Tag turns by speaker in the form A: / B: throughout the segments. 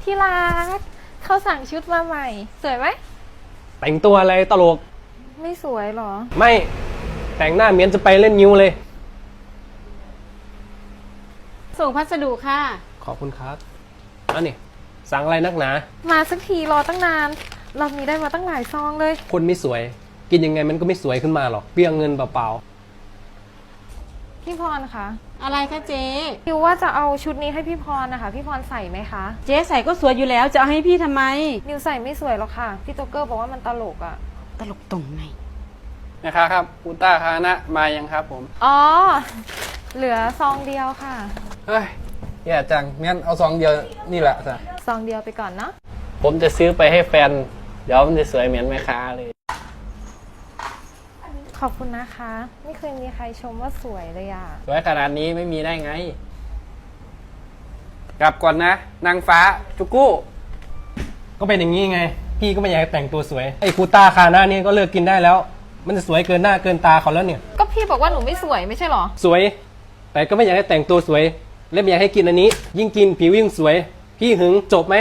A: ที่รักเขาสั่งชุดมาใหม่สวยไหม
B: แต่งตัวอะไรตลก
A: ไม่สวยหรอ
B: ไม่แต่งหน้าเหมือนจะไปเล่นนิ้วเลย
C: ส่งพัสดุค่ะ
B: ขอบคุณครับอันนี้สั่งอะไรนักหนา
A: มาสักทีรอตั้งนานรอบนี้ได้มาตั้งหลายซองเลย
B: คนไม่สวยกินยังไงมันก็ไม่สวยขึ้นมาหรอกเปรี้ยงเงินเปล่า
A: พี่พรคะ
C: อะไรคะเจ๊
A: นิวว่าจะเอาชุดนี้ให้พี่พรนะคะพี่พรใส่ไหมคะ
C: เจ๊ใส่ก็สวยอยู่แล้วจะเอาให้พี่ทำไม
A: นิวใส่ไม่สวยหรอกค่ะพี่โจ๊กเกอร์บอกว่ามันตลกอะ
C: ตลกตรงไหน
D: นะครับอุต้าคานะมายังครับผม
A: อ๋อเหลือซองเดียวค่ะ
D: เฮ้ยแย่จังงั้นเอาซองเดียวนี่แหละจ้ะ
A: ซองเดียวไปก่อนเนาะ
B: ผมจะซื้อไปให้แฟนเดี๋ยวมันจะสวยเหมือนแม่ค้าเลย
A: ขอบคุณนะคะไม่เคยมีใครชมว่าสวยเลยอะ
D: สวยขนาดนี้ไม่มีได้ไงกลับก่อนนะนางฟ้าจุกู้
B: ก็เป็นอย่างนี้ไงพี่ก็ไม่อยากให้แต่งตัวสวยไอ้คูต้าคาหน้านี่ก็เลิกกินได้แล้วมันจะสวยเกินหน้าเกินตาเขาแล้วเนี่ย
A: ก็พี่บอกว่าหนูไม่สวยไม่ใช่หรอ
B: สวยแต่ก็ไม่อยากให้แต่งตัวสวยและไม่อยากให้กินอันนี้ยิ่งกินผิวยิ่งสวยพี่หึงจบไหม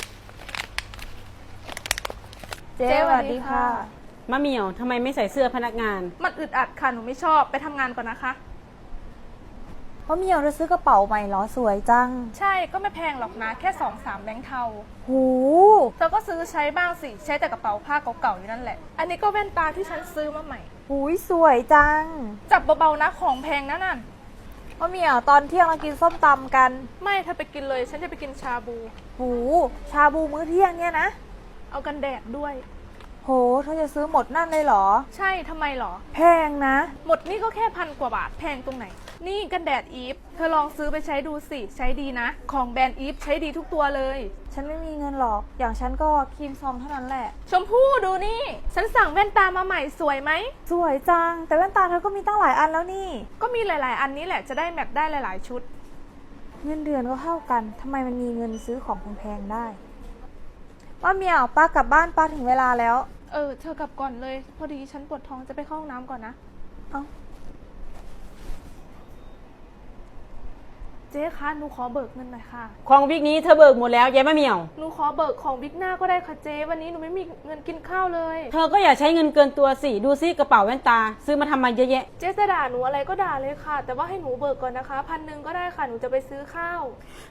A: เจ๊สวัสดีค่ะ
C: มะเหมี่ยวทำไมไม่ใส่เสื้อพนักงาน
E: มันอึดอัดค่ะหนูไม่ชอบไปทำงานก่อนนะคะ
F: เพราะเมียวจะซื้อกระเป๋าใหม่เหรอสวยจัง
E: ใช่ก็ไม่แพงหรอกนะแค่2-3แบงค์เทา
F: หู
E: เธอก็ซื้อใช้บ้างสิใช้แต่กระเป๋าผ้าเก่าๆอยู่นั่นแหละอันนี้ก็แว่นตาที่ฉันซื้อมาใหม่
F: หูยสวยจัง
E: จับเบาๆนะของแพงนะนั่น
F: เพราะเมียวตอนเที่ยงเรากินส้มตำกัน
E: ไม่เธอไปกินเลยฉันจะไปกินชาบู
F: หูชาบูมื้อเที่ยงเนี่ยนะ
E: เอากันแดดด้วย
F: โหเธอจะซื้อหมดนั่นเลยเหรอ
E: ใช่ทำไมหรอ
F: แพงนะ
E: หมดนี่ก็แค่1,000 กว่าบาทแพงตรงไหนนี่กันแดดอีฟเธอลองซื้อไปใช้ดูสิใช้ดีนะของแบรนด์อีฟใช้ดีทุกตัวเลย
F: ฉันไม่มีเงินหรอกอย่างฉันก็ครีมซองเท่านั้นแหละ
E: ชมพู่ดูนี่ฉันสั่งแว่นตามาใหม่สวยไหม
F: สวยจังแต่แว่นตาเธอก็มีตั้งหลายอันแล้วนี่
E: ก็มีหลายๆอันนี้แหละจะได้แมทได้หลายๆชุด
F: เงินเดือนก็เท่ากันทำไมมันมีเงินซื้อของแพงๆได้ว่าเมียวป้ากลับบ้านป้าถึงเวลาแล้ว
E: เธอกลับก่อนเลยพอดีฉันปวดท้องจะไปเข้าห้องน้ำก่อนนะเจ๊คะหนูขอเบิกเงินหน่อยค่ะ
C: ของวิกนี้เธอเบิกหมดแล้วยายมะเหมี่ยว
E: หนูขอเบิกของวิกหน้าก็ได้ค่ะเจ๊วันนี้หนูไม่มีเงินกินข้าวเลย
C: เธอก็อย่าใช้เงินเกินตัวสิดูซิกระเป๋าแว่นตาซื้อมาทำไมเยอะแยะ
E: เจ๊จะด่าหนูอะไรก็ด่าเลยค่ะแต่ว่าให้หนูเบิกก่อนนะคะ1,000ก็ได้ค่ะหนูจะไปซื้อข้าว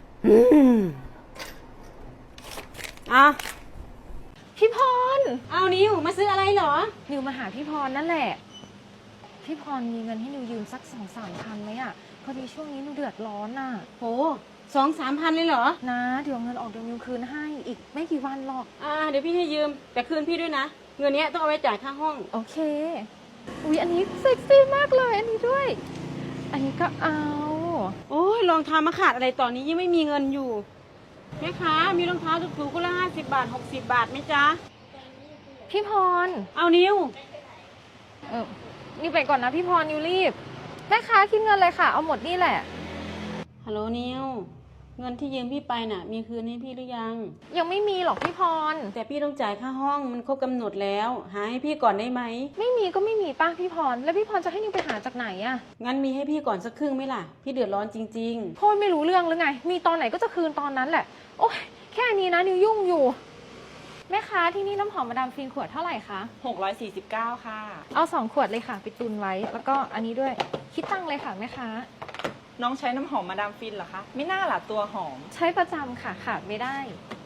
C: อ่ะ
A: พี่พร
C: เอานิวมาซื้ออะไรเหรอ
A: นิวมาหาพี่พรนั่นแหละพี่พรมีเงินให้นิวยืมสัก2-3 พันไหมอะพอดีช่วงนี้นิวเดือดร้อนน่ะ
C: โห2-3 พันเลยเหรอ
A: นะเดี๋ยวเงินออกเดี๋ยวนิวคืนให้อีกไม่กี่วันหรอก
C: เดี๋ยวพี่ให้ยืมแต่คืนพี่ด้วยนะเงินนี้ต้องเอาไว้จ่ายค่าห้อง
A: โอเคอุ๊ยอันนี้เซ็กซี่มากเลยอันนี้ด้วยอันนี้ก็เอา
C: โอ้ยรองเท้ามาขาดอะไรตอนนี้ยังไม่มีเงินอยู่แม่ค้ามีรองเท้าถูกๆก็ละ50 บาท60 บาทไหมจ๊ะ
A: พี่พร
C: เอานิว
A: นิวไปก่อนนะพี่พรนิวรีบแม่ค้าคิดเงินเลยค่ะเอาหมดนี่แหละ
C: ฮัลโหลนิวเงินที่ยืมพี่ไปน่ะมีคืนให้พี่หรือ
A: ยังไม่มีหรอกพี่พร
C: แต่พี่ต้องจ่ายค่าห้องมันครบกำหนดแล้วหาให้พี่ก่อนได้ไหม
A: ไม่มีก็ไม่มีป้าพี่พรแล้วพี่พรจะให้นิวไปหาจากไหนอะ
C: งั้นมีให้พี่ก่อนสักครึ่งไหมล่ะพี่เดือดร้อนจริง
A: ๆพ่อไม่รู้เรื่องหรือไงมีตอนไหนก็จะคืนตอนนั้นแหละโอ๊ยแค่นี้นะนิวยุ่งอยู่แม่ค้าที่นี่น้ำหอมมาดามฟินขวดเท่าไหร่คะ
C: 649ค่ะ
A: เอา2 ขวดเลยค่ะไปตุนไว้แล้วก็อันนี้ด้วยคิดตังเลยค่ะแม่ค้า
G: น้องใช้น้ำหอมมาดามฟินเหรอคะไม่น่าล่ะตัวหอม
A: ใช้ประจำค่ะขาดไม่ได้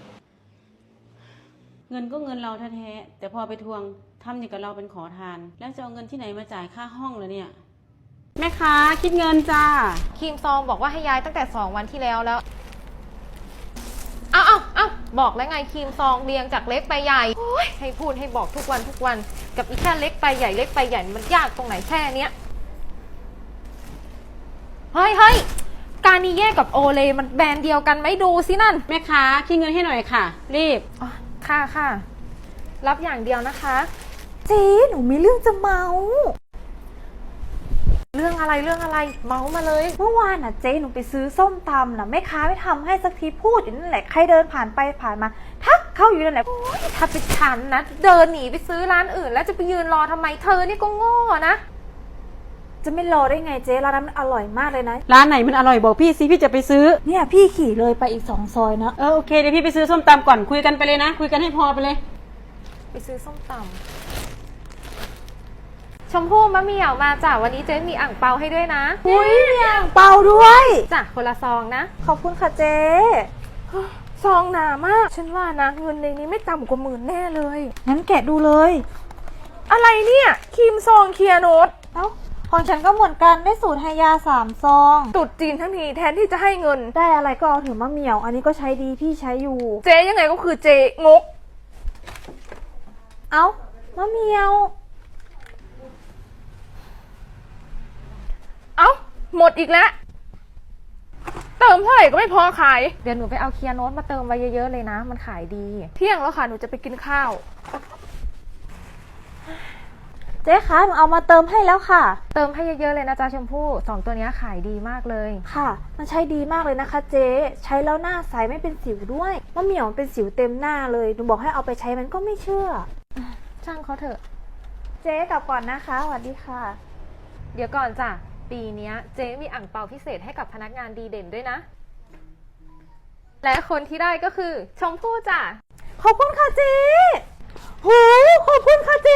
C: เงินก็เงินเราแท้ๆแต่พอไปทวงทำอย่างกับเราเป็นขอทานแล้วจะเอาเงินที่ไหนมาจ่ายค่าห้องเลยเนี่ยแม่ค้าคิดเงินจ้า
A: ครีมซองบอกว่าให้ย้ายตั้งแต่2 วันที่แล้วเอาบอกแล้วไงครีมซองเรียงจากเล็กไปใหญ่ให้พูดให้บอกทุกวันกับอีแค่เล็กไปใหญ่เล็กไปใหญ่มันยากตรงไหนแค่เนี้ยเฮ้ยการนิเย่กับโอเลมันแบรนด์เดียวกันไหมดูสินั่น
C: แม่ค้าคิดเงินให้หน่อยค่ะรีบ
A: ค่ะรับอย่างเดียวนะคะ
F: เจ๊หนูมีเรื่องจะเมา
A: เรื่องอะไรเมามาเลย
F: เมื่อวานเจ๊หนูไปซื้อส้มตำแม่ค้าไม่ทำให้สักทีพูดอยู่นั่นแหละใครเดินผ่านไปผ่านมาทักเข้าอยู่นั่นแหละ
A: ถ้าเป็นฉันนะเดินหนีไปซื้อร้านอื่นแล้วจะไปยืนรอทำไมเธอนี่ก็โง่นะ
F: จะไม่รอได้ไงเจ๊ร้านนั้นมันอร่อยมากเลยนะ
C: ร้านไหนมันอร่อยบอกพี่สิพี่จะไปซื้อ
F: เนี่ยพี่ขี่เลยไปอีก2 ซอยนะ
C: โอเคเดี๋ยวพี่ไปซื้อส้มตำก่อนคุยกันไปเลยนะ คุยกันให้พอไปเลย
A: ไปซื้อส้มตำชมพู่มะเหมี่ยวมาจ้ะวันนี้เจ๊มีอ่างเปาให้ด้วยนะ
F: อุ้ยมีอ่างเปาด้วย
A: จ้ะคนละซองนะ
F: ขอบคุณค่ะเจ๊
E: ซองหนามาก ฉันว่านะเงินในนี้ไม่ต่ำกว่า10,000แน่เลย
F: งั้นแกะดูเลย
E: อะไรเนี่ยครีมซองเคลียร์โนต
F: เอ้าของฉันก็เหมือนกันได้สูตรไฮยา3 ซอง
E: ตุดจีนทั้งทีแทนที่จะให้เงิน
F: ได้อะไรก็เอาเถือะมะเหมี่ยว อันนี้ก็ใช้ดีพี่ใช้อยู่
E: เจ๊ยังไงก็คือเจ๊งก
F: เอ้ามะเหมี่ยว
E: เอ้าหมดอีกแล้ว เติมเท่าไหร่ก็ไม่พอขาย
A: เดี๋ยวหนูไปเอาเคลียร์โน้ตมาเติมไว้เยอะๆเลยนะ มันขายดี
E: เที่ยงแล้วค่ะหนูจะไปกินข้าว
F: เจ๊คะหนูเอามาเติมให้แล้วค่ะ
A: เติมให้เยอะๆเลยนะจ๊ะชมพู่สองตัวเนี้ยขายดีมากเลย
F: ค่ะ มันใช้ดีมากเลยนะคะเจ๊ ใช้แล้วหน้าใสไม่เป็นสิวด้วยมะเหมี่ยวมันเป็นสิวเต็มหน้าเลย หนูบอกให้เอาไปใช้มันก็ไม่เชื่อ
A: ช่างเขาเถอะ
F: เจ๊กลับก่อนนะคะสวัสดีค่ะ
A: เดี๋ยวก่อนจ้ะปีเนี้ยเจ๊มีอ่างเปาพิเศษให้กับพนักงานดีเด่นด้วยนะ และคนที่ได้ก็คือชมพู่จ้ะ
F: ขอบคุณค่ะเจ๊โหขอบคุณค่ะเจ๊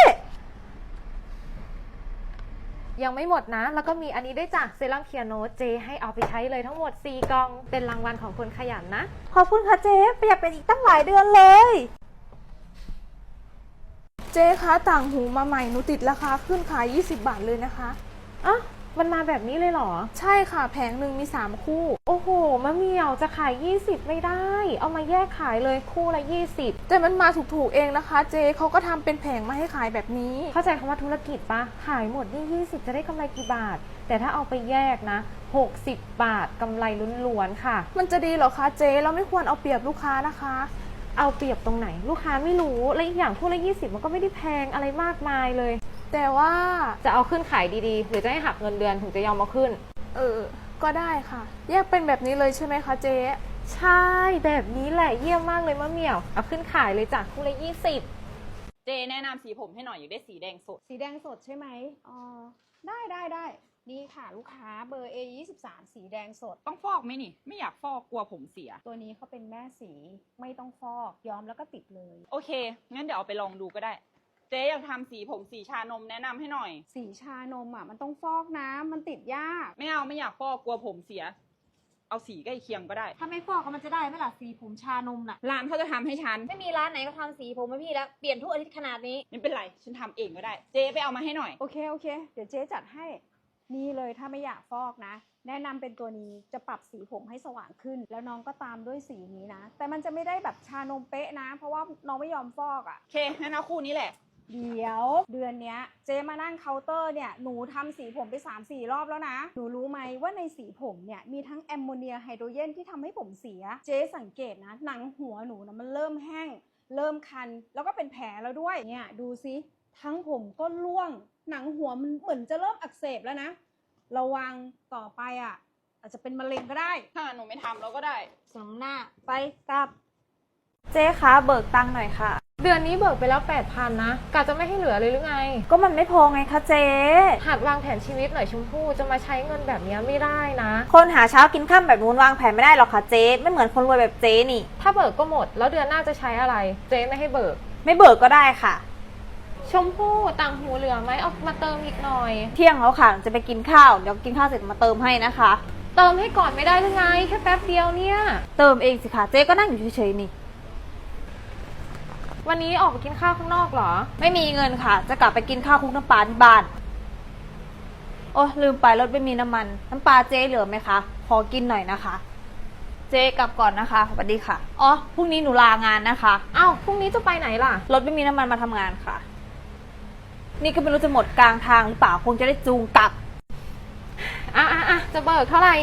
A: ยังไม่หมดนะ แล้วก็มีอันนี้ด้วยจ้ะเซรั่มเคลียร์โนตเจให้เอาไปใช้เลยทั้งหมด4กล่องเป็นรางวัลของคนขยันนะ
F: ขอบคุณค่ะเจ๊ประหยัดไปอีกตั้งหลายเดือนเลย
E: เจ๊คะต่างหูมาใหม่หนูติดราคาขึ้นขาย20 บาทเลยนะคะ
A: อ่ะมันมาแบบนี้เลยเหรอ
E: ใช่ค่ะแผงหนึ่งมี3 คู่
A: โอ้โหมะเหมี่ยวจะขาย 20 ไม่ได้ เอามาแยกขายเลยคู่ละ 20
E: แต่มันมาถูกๆเองนะคะ เจ๊เขาก็ทำเป็นแผงมาให้ขายแบบนี้
A: เข้าใจคำว่าธุรกิจปะขายหมดนี่20 จะได้กำไรกี่บาท แต่ถ้าเอาไปแยกนะ60 บาทกำไรล้วนๆค่ะ
E: มันจะดีเหรอคะเจ๊เราไม่ควรเอาเปรียบลูกค้านะคะ
A: เอาเปรียบตรงไหนลูกค้าไม่รู้และอีกอย่างคู่ละ20มันก็ไม่ได้แพงอะไรมากมายเลย
E: แต่ว่า
A: จะเอาขึ้นขายดีๆหรือจะให้หักเงินเดือนถึงจะยอมมาขึ้น
E: ก็ได้ค่ะ แยกเป็นแบบนี้เลยใช่ไหมคะเจ๊
A: ใช่แบบนี้แหละเยี่ยมมากเลยมะเหมี่ยวเอาขึ้นขายเลยจ้ะคู่ละ20
G: เจแนะนำสีผมให้หน่อยอยู่ได้สีแดงสด
H: สีแดงสดใช่ไหมอ๋อได้นี่ค่ะลูกค้าเบอร์ A23 สีแดงสด
G: ต้องฟอกไหมนี่ ไม่อยากฟอกกลัวผมเสีย
H: ตัวนี้เขาเป็นแม่สีไม่ต้องฟอกย้อมแล้วก็ติดเลย
G: โอเค งั้นเดี๋ยวเอาไปลองดูก็ได้ เจ๊อยากทำสีผมสีชานมแนะนำให้หน่อย
H: สีชานมอ่ะมันต้องฟอกนะมันติดยาก
G: ไม่อยากฟอกกลัวผมเสีย เอาสีใกล้เคียงก็ได้
H: ถ้าไม่ฟอกก็มันจะได้ไหมล่ะสีผมชานมน่ะ
G: ร้านเขาจะทำให้ฉัน
H: ไม่มีร้านไหนก็ทำสีผมให้พี่แล้วเปลี่ยนทุกอาทิตย์ขนาดนี้
G: ไม่เป็นไร ฉันทำเองก็ได้ เจ๊ไปเอามาให้หน่อย
H: โอเคเดี๋ยวเจ๊จัดให้นี่เลยถ้าไม่อยากฟอกนะ แนะนำเป็นตัวนี้จะปรับสีผมให้สว่างขึ้น แล้วน้องก็ตามด้วยสีนี้นะแต่มันจะไม่ได้แบบชานมเป๊ะนะ เพราะว่าน้องไม่ยอมฟอกอ่ะ
G: โอเค งั้นเอาคู่นี้แหละ
H: เดี๋ยวเดือนเนี้ยเจ๊มานั่งเคาน์เตอร์เนี่ยหนูทำสีผมไป 3-4 รอบแล้วนะหนูรู้ไหมว่าในสีผมเนี่ยมีทั้งแอมโมเนียไฮโดรเจนที่ทำให้ผมเสียเจ๊สังเกตนะหนังหัวหนูนะมันเริ่มแห้งเริ่มคันแล้วก็เป็นแผลแล้วด้วยเนี่ยดูซิทั้งผมก็ร่วงหนังหัวมันเหมือนจะเริ่มอักเสบแล้วนะระวังต่อไปอ่ะอาจจะเป็นมะเร็งก็ได้
G: ถ้าหนูไม่ทำเราก็ได้
H: สำหน้าไปกลับ
F: เจ๊คะเบิกตังค์หน่อยค่ะ
A: เดือนนี้เบิกไปแล้ว 8,000 นะกะจะไม่ให้เหลือเลยหรือไง
F: ก็มันไม่พอไงคะเจ๊
A: หัดวางแผนชีวิตหน่อยชมพู่จะมาใช้เงินแบบนี้ไม่ได้นะ
F: คนหาเช้ากินค่ำแบบนู้นวางแผนไม่ได้หรอกค่ะเจ๊ไม่เหมือนคนรวยแบบเจ๊นี่
A: ถ้าเบิกก็หมดแล้วเดือนหน้าจะใช้อะไร เจ๊ไม่ให้เบิก
F: ไม่เบิกก็ได้ค่ะ
A: ชมพู่ต่างหูเหลือไหมเอามาเติมอีกหน่อย
F: เที่ยงแล้วค่ะจะไปกินข้าวเดี๋ยวกินข้าวเสร็จมาเติมให้นะคะ
A: เติมให้ก่อนไม่ได้หรือไงแค่แป๊บเดียวเนี่ย
F: เติมเองสิคะเจ๊ก็นั่งอยู่เฉยๆนี่
A: วันนี้ออกไปกินข้าวข้างนอกเหรอ
F: ไม่มีเงินค่ะ จะกลับไปกินข้าวคลุกน้ำปลาที่บ้านโอ้ลืมไปรถไม่มีน้ำมันน้ำปลาเจ๊เหลือไหมคะขอกินหน่อยนะคะ เจ๊กลับก่อนนะคะสวัสดีค่ะอ๋อพรุ่งนี้หนูลางานนะคะ
A: อ้าวพรุ่งนี้จะไปไหนล่ะ
F: รถไม่มีน้ำมันมาทำงานค่ะ นี่ก็ไม่รู้จะหมดกลางทางหรือเปล่าคงจะได้จูงกลับ
A: อ่ะจะเบิกเท่าไหร่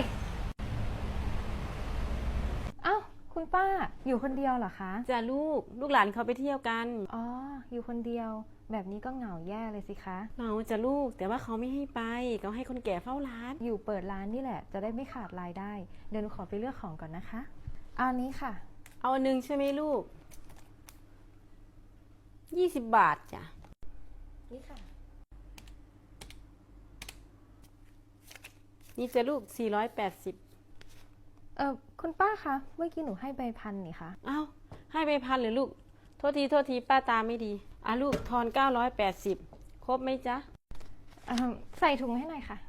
A: อ้าวคุณป้าอยู่คนเดียวเหรอคะ
C: จ้ะลูกหลานเขาไปเที่ยวกัน
A: อ๋ออยู่คนเดียวแบบนี้ก็เหงาแย่เลยสิคะ
C: เหงาจ้ะลูกแต่ว่าเขาไม่ให้ไปเขาให้คนแก่เฝ้าร้าน
A: อยู่เปิดร้านนี่แหละจะได้ไม่ขาดรายได้เดี๋ยวหนูขอไปเลือกของก่อนนะคะเอาอันนี้ค่ะ
C: เอาอันนึงใช่ไหมลูก20 บาทจ้ะ
A: นี่ค่ะ
C: นี่จะลูก 480
A: คุณป้าคะ เมื่อกี้หนูให้ใบพันนี่คะ
C: อ้าวให้ไป1,000เลยลูก โทษทีป้าตาไม่ดีลูกทอน 980 ครบไหมจ๊ะ
A: ใส่ถุงให้หน่อยค่ะ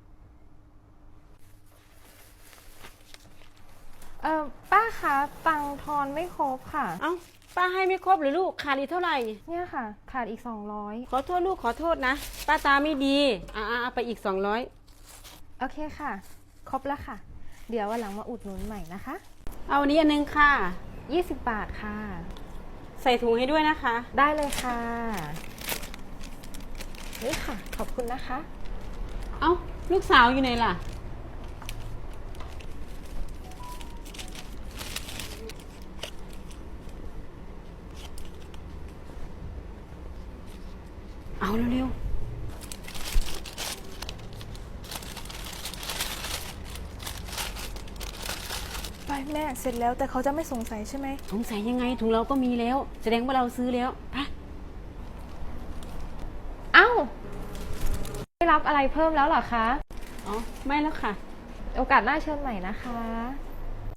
A: ป้าคะตังค์ทอนไม่ครบค่ะ
C: เอ้าป้าให้ไม่ครบหรือลูกขาดอีกเท่าไหร่
A: เนี่ยค่ะ ขาดอีก 200
C: ขอโทษลูกขอโทษนะ ป้าตาไม่ดีเอาไปอีก 200
A: โอเคค่ะ ครบแล้วค่ะ เดี๋ยววันหลังมาอุดหนุนใหม่นะคะ
C: เอาอันนี้อันนึงค่ะ
A: 20 บาทค่ะ
C: ใส่ถุงให้ด้วยนะคะ
A: ได้เลยค่ะ นี่ค่ะ ขอบคุณนะคะ
C: เอ้าลูกสาวอยู่ไหนล่ะ เอาเร็ว
E: ไปแม่เสร็จแล้วแต่เขาจะไม่สงสัยใช่ไหม
C: ๆสงสัยยังไงถุงเราก็มีแล้ว แสดงว่าเราซื้อแล้วไป
A: เอ้าไม่รับอะไรเพิ่มแล้วเหรอคะ
C: อ๋อไม่แล้วค่ะ
A: โอกาสหน้าเชิญใหม่นะคะ